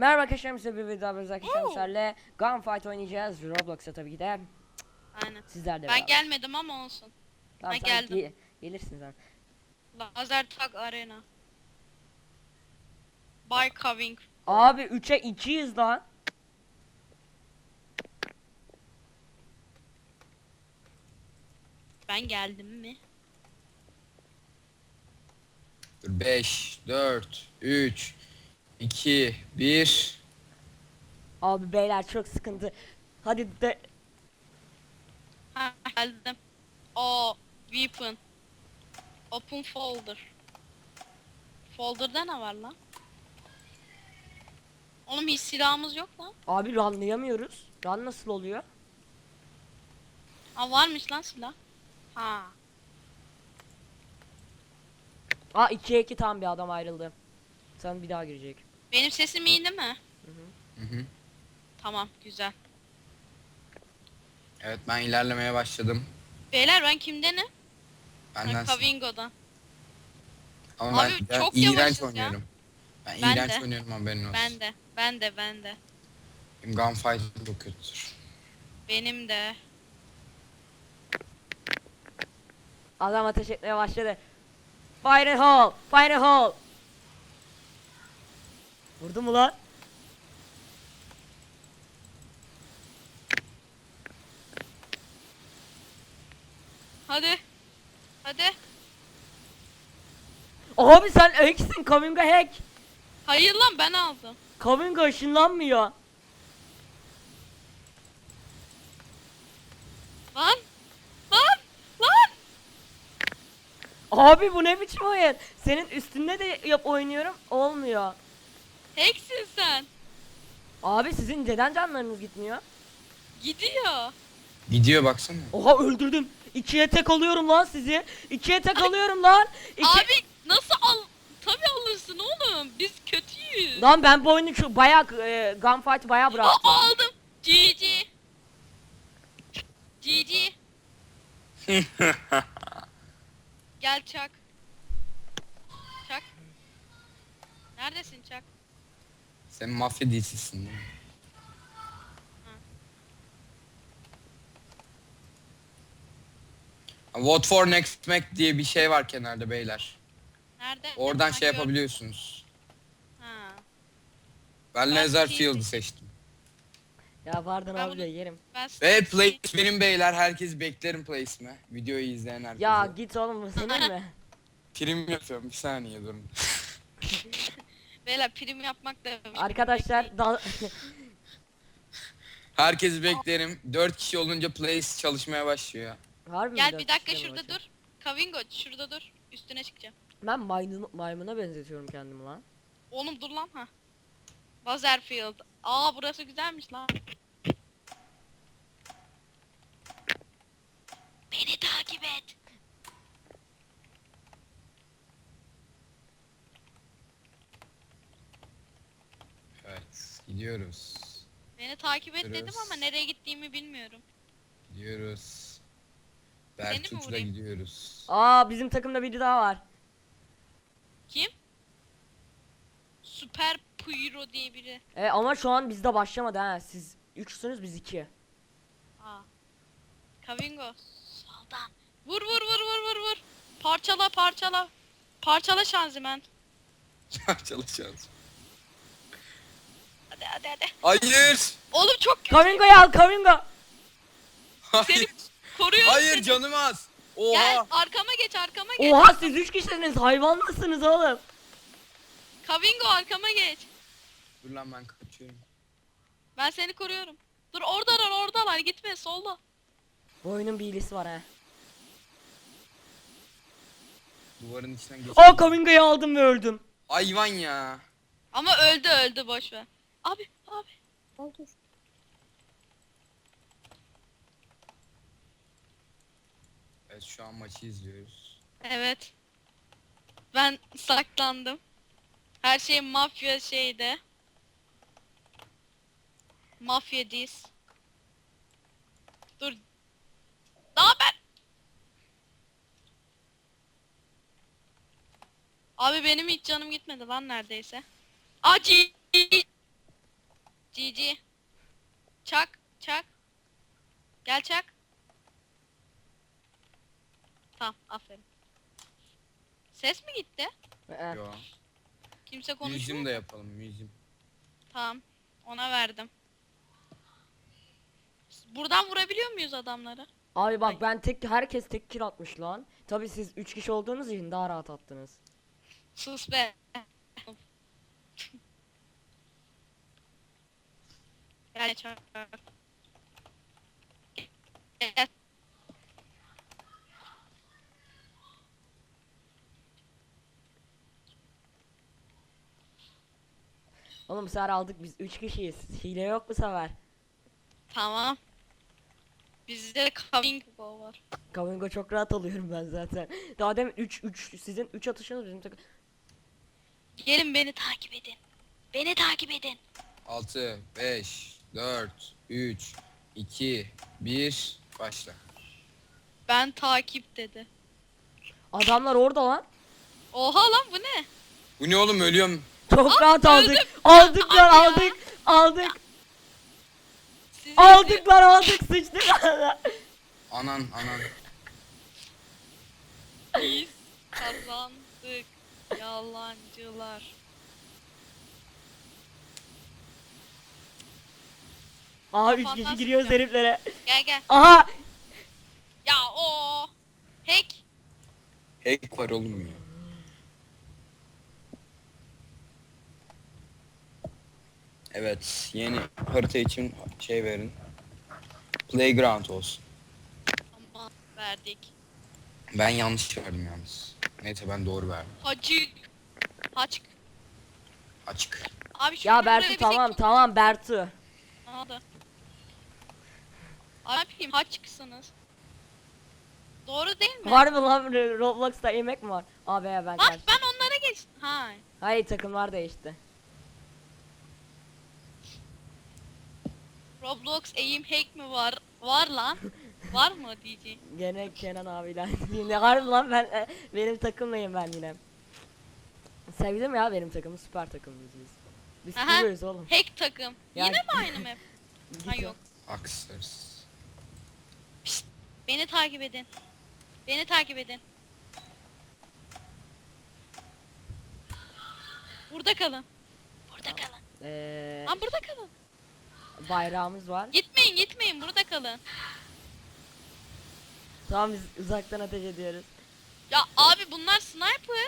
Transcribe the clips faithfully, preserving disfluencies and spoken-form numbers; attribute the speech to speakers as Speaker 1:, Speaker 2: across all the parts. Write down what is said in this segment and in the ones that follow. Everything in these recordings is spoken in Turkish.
Speaker 1: Merhaba arkadaşlar, size bir video yapıyoruz arkadaşlar. Sizlerle Gunfight oynayacağız. Roblox'a tabii ki de.
Speaker 2: Aynen.
Speaker 1: Sizler de
Speaker 2: Ben
Speaker 1: beraber.
Speaker 2: gelmedim ama olsun.
Speaker 1: Tamam
Speaker 2: Ha
Speaker 1: sen
Speaker 2: geldim.
Speaker 1: ge gelirsin sen.
Speaker 2: Lazer Tag Arena. By Coving.
Speaker 1: Abi üçe ikiyiz lan.
Speaker 2: Ben geldim mi?
Speaker 3: beş, dört, üç, iki, bir.
Speaker 1: Abi beyler çok sıkıntı. Hadi de.
Speaker 2: Ha geldim. O weapon. Open folder. Folder'da ne var lan? Oğlum hiç silahımız yok lan.
Speaker 1: Abi runlayamıyoruz. Run nasıl oluyor?
Speaker 2: Ha varmış lan silah. Ha.
Speaker 1: Aa ikiye iki tam bir adam ayrıldı. Sen bir daha girecek.
Speaker 2: Benim sesim iyi değil mi?
Speaker 3: Hı hı.
Speaker 2: Tamam güzel.
Speaker 3: Evet, ben ilerlemeye başladım.
Speaker 2: Beyler ben kimdenim?
Speaker 3: Benden
Speaker 2: Ha, Kavingo'dan.
Speaker 3: ama ben,
Speaker 2: Abi,
Speaker 3: ben
Speaker 2: çok
Speaker 3: iğrenç
Speaker 2: yavaşız ya.
Speaker 3: oynuyorum. Ben,
Speaker 2: Ben
Speaker 3: iğrenç
Speaker 2: de.
Speaker 3: oynuyorum, haberin olsun.
Speaker 2: Ben de. Ben de ben de.
Speaker 3: Benim gunfight çok kötüdür.
Speaker 2: Benim de.
Speaker 1: Adam ateş etmeye başladı. Fire in hole! Fire in hole! Vurdu mu lan?
Speaker 2: Hadi. Hadi.
Speaker 1: Abi sen hacksin. Kaminga hack.
Speaker 2: Hayır lan ben aldım.
Speaker 1: Kaminga ışınlanmıyor.
Speaker 2: Lan. Lan. Lan.
Speaker 1: Abi bu ne biçim oyun? Senin üstünde de yap oynuyorum. Olmuyor.
Speaker 2: Hacksin sen.
Speaker 1: Abi sizin neden canlarınız gitmiyor?
Speaker 2: Gidiyor.
Speaker 3: Gidiyor, baksana.
Speaker 1: Oha öldürdüm. İkiye tek alıyorum lan sizi. İkiye tek alıyorum lan. İki...
Speaker 2: Abi nasıl al? Tabii alırsın oğlum. Biz kötüyüz.
Speaker 1: Lan ben bu oyunu şu bayağı e, gunfight bayağı
Speaker 2: Aa,
Speaker 1: bıraktım.
Speaker 2: aldım. G G. G G. Gel Çak. Çak. Neredesin Çak?
Speaker 3: Sen mafya dizisisin değil mi? Vote for next Mac diye bir şey var kenarda beyler.
Speaker 2: Nerede?
Speaker 3: Oradan
Speaker 2: Ha,
Speaker 3: şey
Speaker 2: gör-
Speaker 3: yapabiliyorsunuz.
Speaker 2: Ha.
Speaker 3: Ben
Speaker 2: Ben
Speaker 3: Laser
Speaker 2: şey
Speaker 3: Field'ı
Speaker 2: seçtim.
Speaker 3: seçtim.
Speaker 1: Ya pardon
Speaker 2: Ben
Speaker 1: abi
Speaker 2: bunu-
Speaker 1: de yerim.
Speaker 2: Ben
Speaker 3: Ve
Speaker 2: Stacy-
Speaker 3: place benim beyler, herkes beklerim place'imi. Videoyu izleyen herkese.
Speaker 1: Ya git oğlum bu senin mi?
Speaker 3: Prim yapıyorum, bir saniye durun.
Speaker 2: Beyler prim yapmak da
Speaker 1: Arkadaşlar da
Speaker 3: Herkesi beklerim. dört kişi olunca place çalışmaya başlıyor.
Speaker 1: Harbi mi
Speaker 2: Gel
Speaker 1: dört
Speaker 2: bir dakika
Speaker 1: kişi mi
Speaker 2: şurada
Speaker 1: bakayım?
Speaker 2: dur. Kavingo şurada dur. Üstüne çıkacağım.
Speaker 1: Ben maymun, maymuna benzetiyorum kendimi lan.
Speaker 2: Oğlum dur lan ha. Buzzerfield. Aa burası güzelmiş lan. Beni takip et.
Speaker 3: Evet, gidiyoruz.
Speaker 2: Beni takip et dedim
Speaker 3: Gidiyoruz.
Speaker 2: ama nereye gittiğimi bilmiyorum.
Speaker 3: Gidiyoruz.
Speaker 2: Seni mi
Speaker 3: Bertuç'la
Speaker 2: vurayım?
Speaker 3: gidiyoruz.
Speaker 1: Aa bizim takımda biri daha var.
Speaker 2: Kim? Süper Pyro diye biri.
Speaker 1: E, ama şu an bizde başlamadı ha. Siz üçsünüz biz iki.
Speaker 2: Aa. Kavingo. Soldan. Vur vur vur vur vur vur. Parçala parçala. Parçala şanzıman.
Speaker 3: Çalışacağız.
Speaker 2: Hadi hadi hadi.
Speaker 3: Hayır!
Speaker 2: Oğlum çok kötü.
Speaker 1: Kamingo'yu al Kamingo.
Speaker 2: Seni
Speaker 3: Hayır!
Speaker 2: koruyorum
Speaker 3: Hayır,
Speaker 2: seni.
Speaker 3: canım az!
Speaker 2: Gel
Speaker 3: Oha!
Speaker 2: arkama geç arkama geç.
Speaker 1: Oha siz üç kişisiniz, hayvan mısınız oğlum?
Speaker 2: Kavingo arkama geç.
Speaker 3: Dur lan, ben kaçıyorum.
Speaker 2: Ben seni koruyorum. Dur oradalar oradalar gitme solda.
Speaker 1: Bu oyunun bir iyisi var ha.
Speaker 3: Duvarın içinden geç.
Speaker 1: Aa Kamingo'yu aldım ve öldüm.
Speaker 3: Hayvan ya!
Speaker 2: Ama öldü öldü boş ver. Abi abi. Oldu.
Speaker 3: Evet, şu an maçı izliyoruz.
Speaker 2: Evet. Ben saklandım. Her şey mafya şeyde. Mafya diz. Dur. Daha ben. Abi benim hiç canım gitmedi lan neredeyse. Acı. G G. Çak, çak. Gel çak. Tamam, aferin. Ses mi gitti?
Speaker 1: Ee,
Speaker 3: Yo.
Speaker 2: Kimse konuşmuyor.
Speaker 3: Museum da yapalım museum.
Speaker 2: Tamam. Ona verdim. Buradan vurabiliyor muyuz adamları?
Speaker 1: Abi bak ben tek herkes tek kill atmış lan. Tabi siz üç kişi olduğunuz için daha rahat attınız.
Speaker 2: Sus be. Gel çak. Gel.
Speaker 1: Oğlum bu sefer aldık biz üç kişiyiz. Hile yok bu sefer.
Speaker 2: Tamam. Bizde coming go var.
Speaker 1: Kavingo çok rahat alıyorum ben zaten. Daha demin üç üç sizin üç atışınız bizim takım.
Speaker 2: Gelin beni takip edin. Beni takip edin.
Speaker 3: altı, beş, dört, üç, iki, bir, başla.
Speaker 2: Ben takip dedi.
Speaker 1: Adamlar orada lan.
Speaker 2: Oha lan bu ne?
Speaker 3: Bu ne oğlum, ölüyorum.
Speaker 1: Çok rahat
Speaker 2: öldüm.
Speaker 1: aldık. Aldık
Speaker 2: Abi
Speaker 1: lan
Speaker 2: ya.
Speaker 1: aldık. Aldık.
Speaker 2: Sizi
Speaker 1: Aldık lan aldık sıçtık.
Speaker 3: Anan anan.
Speaker 2: Biz kazandık. Yalancılar.
Speaker 1: Aha üç
Speaker 2: Kafandan
Speaker 1: kişi giriyoruz
Speaker 2: sıkacağım.
Speaker 1: heriflere.
Speaker 2: Gel gel.
Speaker 1: Aha.
Speaker 2: Ya o hack.
Speaker 3: Hack var oğlum ya. Evet, yeni harita için şey verin. Playground olsun.
Speaker 2: Ama verdik.
Speaker 3: Ben yanlış verdim yalnız. Neyse ben doğru verdim.
Speaker 2: Hacık. Haçk.
Speaker 3: Açık.
Speaker 2: Abi şu
Speaker 1: Ya Bertu tamam tamam Bertu.
Speaker 2: Ne oldu? Abi ne yapayım haçksınız. Doğru değil mi?
Speaker 1: Var mı lan Roblox'ta yemek mi var? Abi ya ben
Speaker 2: Bak
Speaker 1: kaç.
Speaker 2: ben onlara geçtim. Ha.
Speaker 1: Hayır takımlar değişti.
Speaker 2: Roblox aim hack mi var? Var lan. Var mı diyeceğim.
Speaker 1: Gene Kenan abiyle. Yine harbi lan ben e, benim takımlayım ben yine. Sevdim ya benim takımı süper takımımız biz. Biz
Speaker 2: Aha.
Speaker 1: kuruyoruz oğlum.
Speaker 2: Hack takım.
Speaker 1: Ya-
Speaker 2: Yine mi aynı map? Ha yok.
Speaker 3: Aksız.
Speaker 2: Beni takip edin. Beni takip edin. Burada kalın. Burada kalın.
Speaker 1: Ee,
Speaker 2: Lan burada kalın.
Speaker 1: bayrağımız var.
Speaker 2: Gitmeyin gitmeyin burada kalın.
Speaker 1: Tamam biz uzaktan ateş ediyoruz.
Speaker 2: Ya abi bunlar sniper.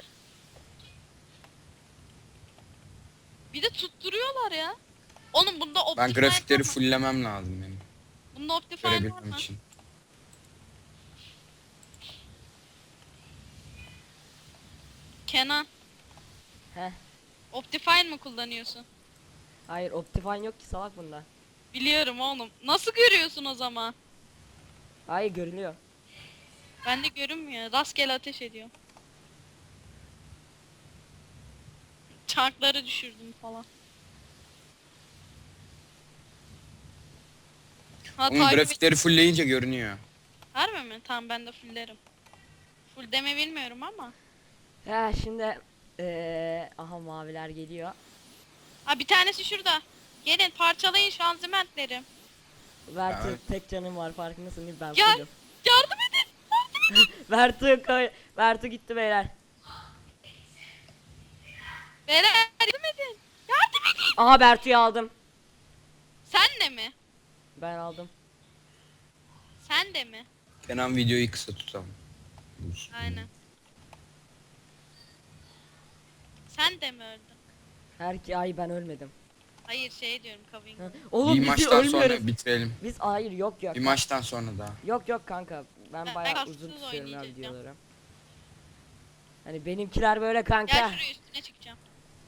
Speaker 2: Bir de tutturuyorlar ya. Oğlum bunda
Speaker 3: Ben
Speaker 2: optifine
Speaker 3: grafikleri
Speaker 2: var mı?
Speaker 3: fulllemem lazım benim.
Speaker 2: Bunda optifine var
Speaker 3: Görebilmem
Speaker 2: mı?
Speaker 3: için.
Speaker 2: Kenan.
Speaker 1: Heh.
Speaker 2: Optifine mi kullanıyorsun?
Speaker 1: Hayır Optifine yok ki salak bunda.
Speaker 2: Biliyorum oğlum. Nasıl görüyorsun o zaman?
Speaker 1: Hayır görünüyor.
Speaker 2: Bende görünmüyor. Rastgele ateş ediyor. Çarkları düşürdüm falan. Ha
Speaker 3: Onun
Speaker 2: takip et.
Speaker 3: grafikleri fullleyince görünüyor.
Speaker 2: Harbi mi? Tamam ben de fulllerim. Full deme bilmiyorum ama.
Speaker 1: He şimdi ee, aha maviler geliyor.
Speaker 2: Ha bir tanesi şurada. Gelin parçalayın şanzımanları.
Speaker 1: Bertu
Speaker 3: Evet.
Speaker 1: tek canım var farkındasın değil mi ben
Speaker 2: Ya
Speaker 1: fullüm.
Speaker 2: yardım edin. Yardım edin.
Speaker 1: Bertu koy. Bertu gitti beyler.
Speaker 2: Beyler yardım edin. Yardım edin.
Speaker 1: Aha Bertu'yu aldım.
Speaker 2: Sen de mi?
Speaker 1: Ben aldım.
Speaker 2: Sen de mi?
Speaker 3: Kenan videoyu kısa tutalım. Dur.
Speaker 2: Aynen. Sen de mi öldün?
Speaker 1: Her ki ay ben ölmedim.
Speaker 2: Hayır şey diyorum Kaving.
Speaker 1: Ha, Oğlum
Speaker 3: Bir
Speaker 1: biz
Speaker 3: maçtan
Speaker 1: ölmüyoruz.
Speaker 3: sonra bitirelim.
Speaker 1: Biz hayır yok yok.
Speaker 3: Bir maçtan sonra daha.
Speaker 1: Yok yok kanka. Ben
Speaker 2: Ben
Speaker 1: bayağı
Speaker 2: kastsız
Speaker 1: uzun tutuyorum ya
Speaker 2: oynayacağım.
Speaker 1: videoları. Hani benimkiler böyle
Speaker 2: Gel
Speaker 1: kanka.
Speaker 2: şuraya üstüne çıkacağım.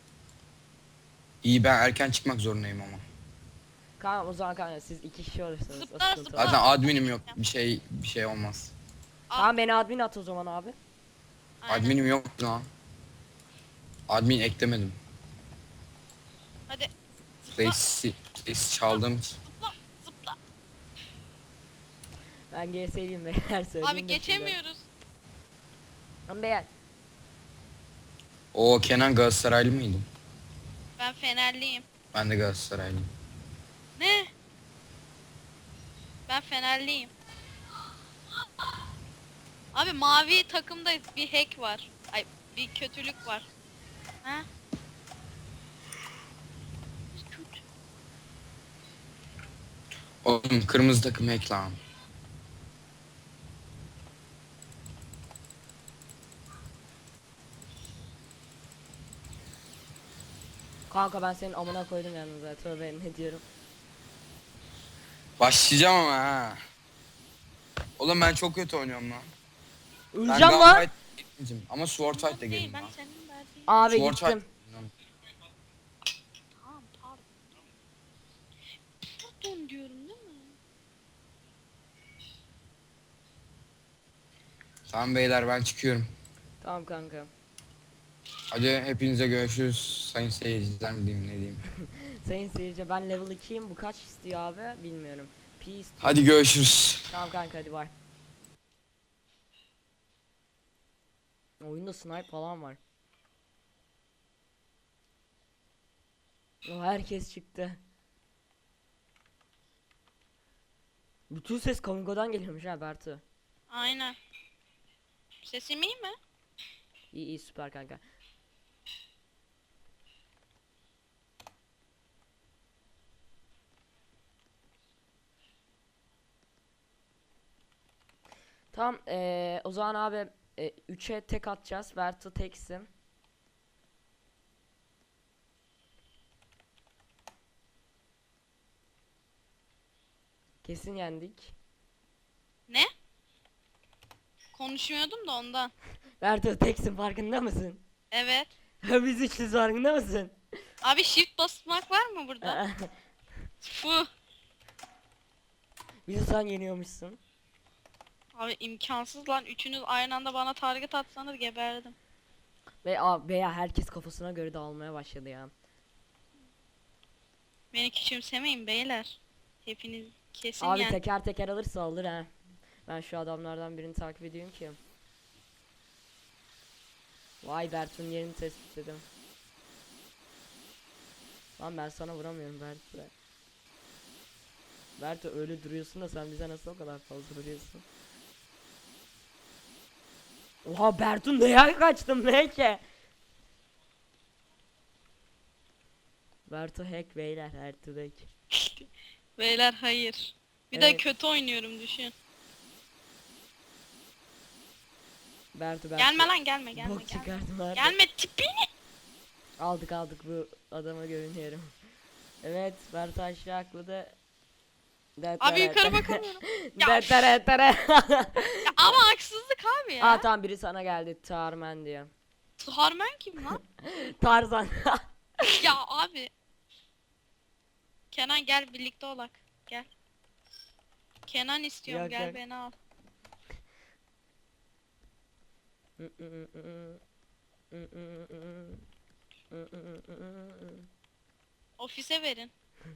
Speaker 3: İyi, ben erken çıkmak zorundayım ama.
Speaker 1: Kanka o zaman kanka siz iki kişi olursanız o
Speaker 2: Zıplar,
Speaker 1: sıkıntı
Speaker 2: zıplar.
Speaker 1: var.
Speaker 3: Zaten adminim yok. Bir şey bir şey olmaz.
Speaker 1: Tamam beni admin at o zaman abi.
Speaker 2: Aynen.
Speaker 3: Adminim yok lan. Admin eklemedim.
Speaker 2: Hadi
Speaker 3: Place'i place çaldım.
Speaker 2: zıpla zıpla.
Speaker 1: Ben G S'liyim beyler söyleyeyim.
Speaker 2: Abi
Speaker 1: de size.
Speaker 2: geçemiyoruz.
Speaker 1: Lan beyler.
Speaker 3: O Kenan Galatasaraylı mıydı?
Speaker 2: Ben Fenerliyim.
Speaker 3: Ben de Galatasaraylıyım.
Speaker 2: Fenerliyim. Abi mavi takımda bir hack var. Ay bir kötülük var. Ha? Kötü.
Speaker 3: Oğlum kırmızı takım hack lan.
Speaker 1: Kanka ben senin amına koydum yalnız ya. Tövbe ne diyorum.
Speaker 3: Başlayacağım ama ha. Oğlum ben çok kötü oynuyorum lan. Ben
Speaker 1: Öleceğim lan.
Speaker 3: Gunfight gitmeyeceğim ama Sword Fight de
Speaker 2: Değil,
Speaker 3: gelin
Speaker 2: ben
Speaker 3: lan.
Speaker 2: senin verdiğin.
Speaker 1: Abi
Speaker 3: Sword
Speaker 1: gittim.
Speaker 3: Fight.
Speaker 2: Tamam pardon. Pardon diyorum değil mi?
Speaker 3: Tamam beyler ben çıkıyorum.
Speaker 1: Tamam kanka.
Speaker 3: Hadi hepinize görüşürüz. Sayın seyirciler mi diyeyim ne diyeyim.
Speaker 1: Sayın seyirci ben level ikiyim. Bu kaç istiyor abi? Bilmiyorum. P istiyor.
Speaker 3: Hadi görüşürüz.
Speaker 1: Tamam kanka hadi bay. Oyunda snipe falan var. O herkes çıktı. Bütün ses Kamungo'dan geliyormuş ha Bertu.
Speaker 2: Aynen. Sesim iyi mi?
Speaker 1: İyi iyi süper kanka. Tamam eee o zaman abi üçe tek atacağız. Bertu teksin. Kesin yendik.
Speaker 2: Ne? Konuşmuyordum da ondan.
Speaker 1: Bertu teksin farkında mısın?
Speaker 2: Evet.
Speaker 1: Biz üçlüyüz farkında mısın?
Speaker 2: Abi shift basmak var mı burada? Bu.
Speaker 1: Bizi sen yeniyormuşsun.
Speaker 2: Abi imkansız lan. Üçünüz aynı anda bana target atsanız geberdim.
Speaker 1: Ve a, veya herkes kafasına göre dağılmaya başladı ya.
Speaker 2: Beni küçümsemeyin beyler. Hepiniz kesin
Speaker 1: Abi
Speaker 2: yani.
Speaker 1: teker teker alırsa alır ha. Ben şu adamlardan birini takip ediyorum ki. Vay Bertu'nun yerini tespit ettim. Lan ben sana vuramıyorum Bertu. Bertu öyle duruyorsun da sen bize nasıl o kadar fazla vuruyorsun? Oha Bertu neye kaçtın ne ki? Bertu hack beyler Bertu hack.
Speaker 2: Beyler hayır. Bir
Speaker 1: Evet.
Speaker 2: de kötü oynuyorum düşün.
Speaker 1: Bertu Bertu.
Speaker 2: Gelme lan gelme gelme
Speaker 1: Bok
Speaker 2: gelme.
Speaker 1: çıkardım Bertu.
Speaker 2: Gelme tipini.
Speaker 1: Aldık aldık bu adama görünüyorum. Evet Bertu aşağı atladı.
Speaker 2: Abi yukarı bakamıyorum. Ya,
Speaker 1: Detere tere.
Speaker 2: Ya ama haksızlık abi ya.
Speaker 1: Aa tamam biri sana geldi Tarmen diye.
Speaker 2: Harman kim lan?
Speaker 1: Tarzan.
Speaker 2: Ya abi. Kenan gel birlikte olak. Gel. Kenan istiyorum
Speaker 1: Yok,
Speaker 2: gel
Speaker 1: yok.
Speaker 2: beni al. Ofise verin.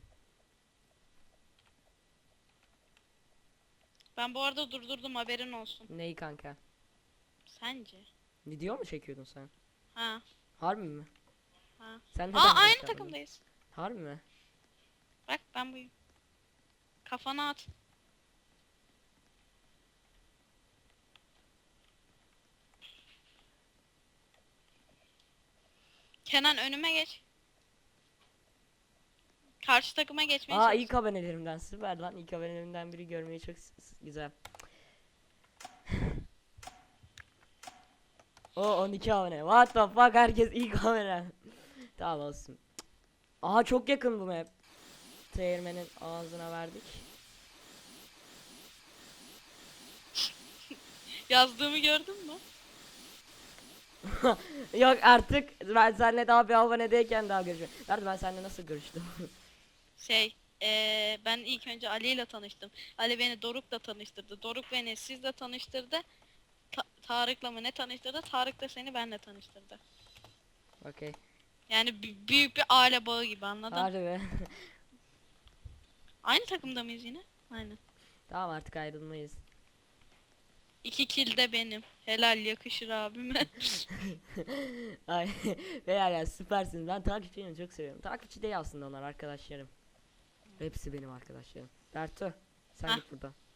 Speaker 2: Ben bu arada durdurdum haberin olsun.
Speaker 1: Neyi kanka?
Speaker 2: Sence?
Speaker 1: Video mu çekiyordun sen?
Speaker 2: Ha.
Speaker 1: Harbi mi?
Speaker 2: Ha.
Speaker 1: Sen neden
Speaker 2: Aa
Speaker 1: video
Speaker 2: aynı
Speaker 1: çekmedin?
Speaker 2: takımdayız.
Speaker 1: Harbi mi?
Speaker 2: Bak ben buyum. Kafana at. Kenan önüme geç. Karşı takıma geçmeye
Speaker 1: Aa
Speaker 2: çalış.
Speaker 1: ilk abonelerimden süper lan. İlk abonelerimden biri görmeyi çok s- s- güzel. O on iki abone. What the fuck herkes ilk abone. Tamam olsun. Aha çok yakın bu map. Değirmenin ağzına verdik.
Speaker 2: Yazdığımı gördün mü?
Speaker 1: Yok artık ben seninle daha bir abonedeyken daha görüşüyorum. Nerede ben seninle nasıl görüştüm?
Speaker 2: Şey, eee, ben ilk önce Ali ile tanıştım. Ali beni Doruk'la tanıştırdı. Doruk beni sizle tanıştırdı. Ta- Tarık'la mı ne tanıştırdı? Tarık da seni benle tanıştırdı.
Speaker 1: Okey.
Speaker 2: Yani b- büyük bir aile bağı gibi anladın?
Speaker 1: Hadi be.
Speaker 2: Aynı takımda mıyız yine? Aynen.
Speaker 1: Tamam artık ayrılmayız.
Speaker 2: İki kill de benim. Helal yakışır abime.
Speaker 1: Ay beyler ya süpersiniz. Ben takipçilerimi çok seviyorum. Takipçi değil aslında onlar arkadaşlarım. Hepsi benim arkadaşlarım. Bertu sen
Speaker 2: Hah.
Speaker 1: git buradan.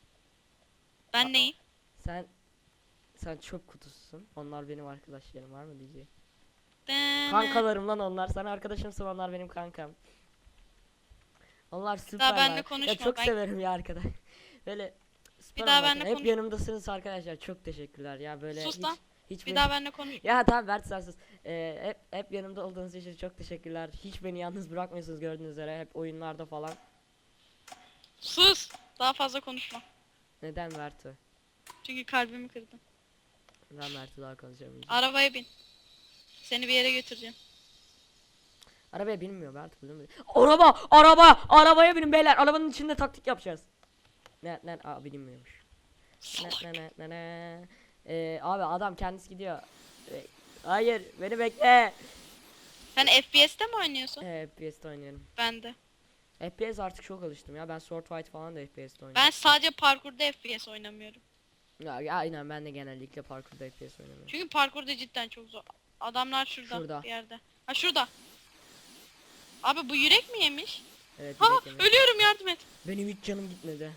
Speaker 2: Ben neyim?
Speaker 1: Sen sen çöp kutususun. Onlar benim arkadaşlarım, var mı diyeceğim.
Speaker 2: Dene.
Speaker 1: Kankalarım lan onlar. Sen arkadaşımsın, onlar benim kankam. Onlar süper.
Speaker 2: benimle
Speaker 1: Ya
Speaker 2: konuşma,
Speaker 1: çok
Speaker 2: ben-
Speaker 1: severim ya arkadaş. Böyle süper
Speaker 2: daha
Speaker 1: onlar.
Speaker 2: benimle
Speaker 1: Hep
Speaker 2: konuş-
Speaker 1: yanımdasınız arkadaşlar. Çok teşekkürler ya böyle
Speaker 2: Sus
Speaker 1: hiç
Speaker 2: lan.
Speaker 1: hiç
Speaker 2: Bir
Speaker 1: beni-
Speaker 2: daha benimle konuş.
Speaker 1: Ya tamam Bert sen sus. Ee, hep hep yanımda olduğunuz için çok teşekkürler. Hiç beni yalnız bırakmıyorsunuz gördüğünüz üzere. Hep oyunlarda falan.
Speaker 2: Sus. Daha fazla konuşma.
Speaker 1: Neden Bertu?
Speaker 2: Çünkü kalbimi kırdın.
Speaker 1: Ben Bertu daha konuşamayacağım.
Speaker 2: Arabaya bin. Seni bir yere götüreceğim.
Speaker 1: Arabaya binmiyor Bertu, biliyor musun? Araba! Araba! Arabaya binin beyler. Arabanın içinde taktik yapacağız. Ne ne aa bilinmiyormuş. Ne
Speaker 2: Salak.
Speaker 1: ne ne ne ne. Ee, abi adam kendisi gidiyor. Ee, hayır beni bekle.
Speaker 2: Sen F P S'te mi oynuyorsun?
Speaker 1: Ee, F P S'te oynuyorum.
Speaker 2: Ben de.
Speaker 1: F P S artık çok alıştım ya. Ben Sword Fight falan da F P S'te oynuyorum.
Speaker 2: Ben sadece parkurda F P S oynamıyorum.
Speaker 1: Ya, ya aynen ben de genellikle parkurda F P S oynuyorum.
Speaker 2: Çünkü parkurda cidden çok zor. Adamlar şurada,
Speaker 1: Şurada.
Speaker 2: bir yerde. Ha şurada. Abi bu yürek mi yemiş?
Speaker 1: Evet,
Speaker 2: Ha
Speaker 1: yürek yemek.
Speaker 2: ölüyorum, yardım et.
Speaker 1: Benim hiç canım gitmedi.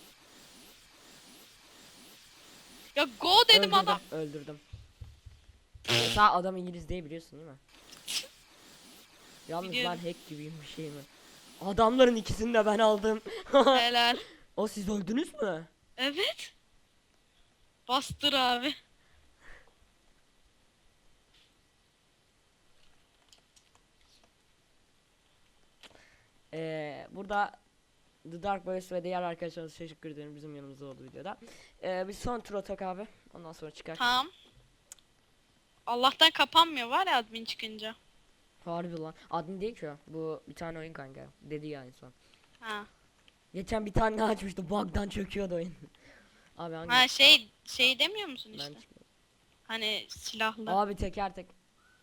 Speaker 2: Ya go dedim
Speaker 1: öldürdüm,
Speaker 2: adam.
Speaker 1: öldürdüm. Sağ adam İngiliz değil, biliyorsun değil mi? Yalnız
Speaker 2: Biliyorum.
Speaker 1: ben hack gibiyim, bir şey mi? Adamların ikisini de ben aldım.
Speaker 2: Helal.
Speaker 1: O siz öldünüz mü?
Speaker 2: Evet. Bastır abi.
Speaker 1: Ee, burada The Dark Boys ve diğer arkadaşlarımıza teşekkür ederim, bizim yanımızda oldu videoda. Ee, bir son tur atak abi. Ondan sonra çıkar.
Speaker 2: Tamam. Allah'tan kapanmıyor var ya admin çıkınca.
Speaker 1: Harbi lan. Admin değil ki o. Bu bir tane oyun kanka. Dedi ya insan.
Speaker 2: Ha.
Speaker 1: Geçen bir tane daha açmıştı. Bug'dan çöküyordu oyun. Abi hangi?
Speaker 2: Ha şey şey demiyor musun
Speaker 1: Ben
Speaker 2: işte?
Speaker 1: çıkmadım.
Speaker 2: Hani silahlı.
Speaker 1: Abi teker tek.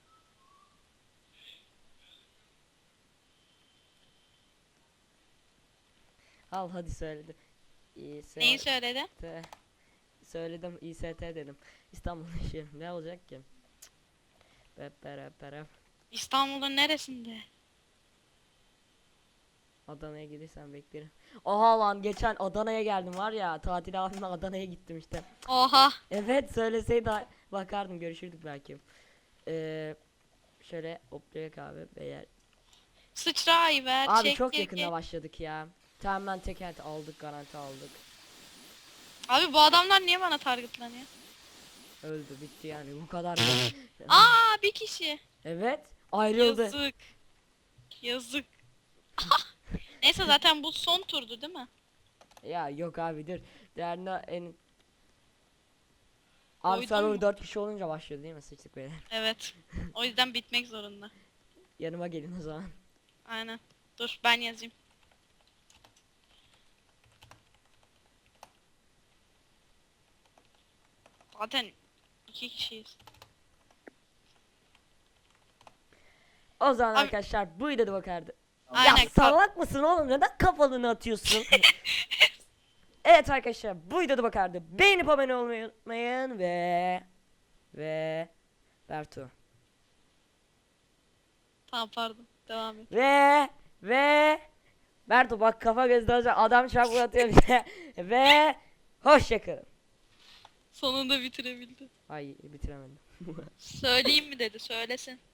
Speaker 1: Al hadi söyledi. İyi
Speaker 2: Neyi söyledi?
Speaker 1: Söyledim İ S T dedim. İstanbul işi. Ne olacak ki? Bep berep berep.
Speaker 2: İstanbul'un neresinde?
Speaker 1: Adana'ya gelirsen beklerim. Oha lan, geçen Adana'ya geldim var ya, tatil abimle Adana'ya gittim işte.
Speaker 2: Oha.
Speaker 1: Evet söyleseydi bakardım, görüşürdük belki. Ee, şöyle hoplayak abi beyler.
Speaker 2: Sıçrayı ver.
Speaker 1: Abi
Speaker 2: çek,
Speaker 1: çok
Speaker 2: çek,
Speaker 1: yakında
Speaker 2: çek.
Speaker 1: başladık ya. Tamamen teker aldık, garanti aldık.
Speaker 2: Abi bu adamlar niye bana targetlanıyor?
Speaker 1: Öldü bitti yani, bu kadar.
Speaker 2: Aa bir kişi.
Speaker 1: Evet ayrıldı.
Speaker 2: Yazık. Yazık. Neyse zaten bu son turdu değil mi?
Speaker 1: Ya yok abi dur. Değerli en... Abi
Speaker 2: Koydun
Speaker 1: server
Speaker 2: mu?
Speaker 1: dört kişi olunca başlıyor değil mi? Sıçtık böyle.
Speaker 2: Evet. O yüzden bitmek zorunda.
Speaker 1: Yanıma gelin o zaman.
Speaker 2: Aynen. Dur ben yazayım. Zaten iki kişiyiz.
Speaker 1: O zaman
Speaker 2: Abi-
Speaker 1: arkadaşlar bu videoda bakardı.
Speaker 2: Aynen,
Speaker 1: Ya
Speaker 2: kap-
Speaker 1: salak mısın oğlum? Neden kafalını atıyorsun? Evet arkadaşlar bu videoda bakardı. Beğenip abone olmayı unutmayın ve ve Bertu
Speaker 2: Tamam pardon. Devam et.
Speaker 1: ve ve Bertu bak kafa gözden adam çarpı atıyor bize. Ve hoşçakalın.
Speaker 2: Sonunda bitirebildi.
Speaker 1: Ay bitiremedim.
Speaker 2: Söyleyeyim mi dedi, söylesin.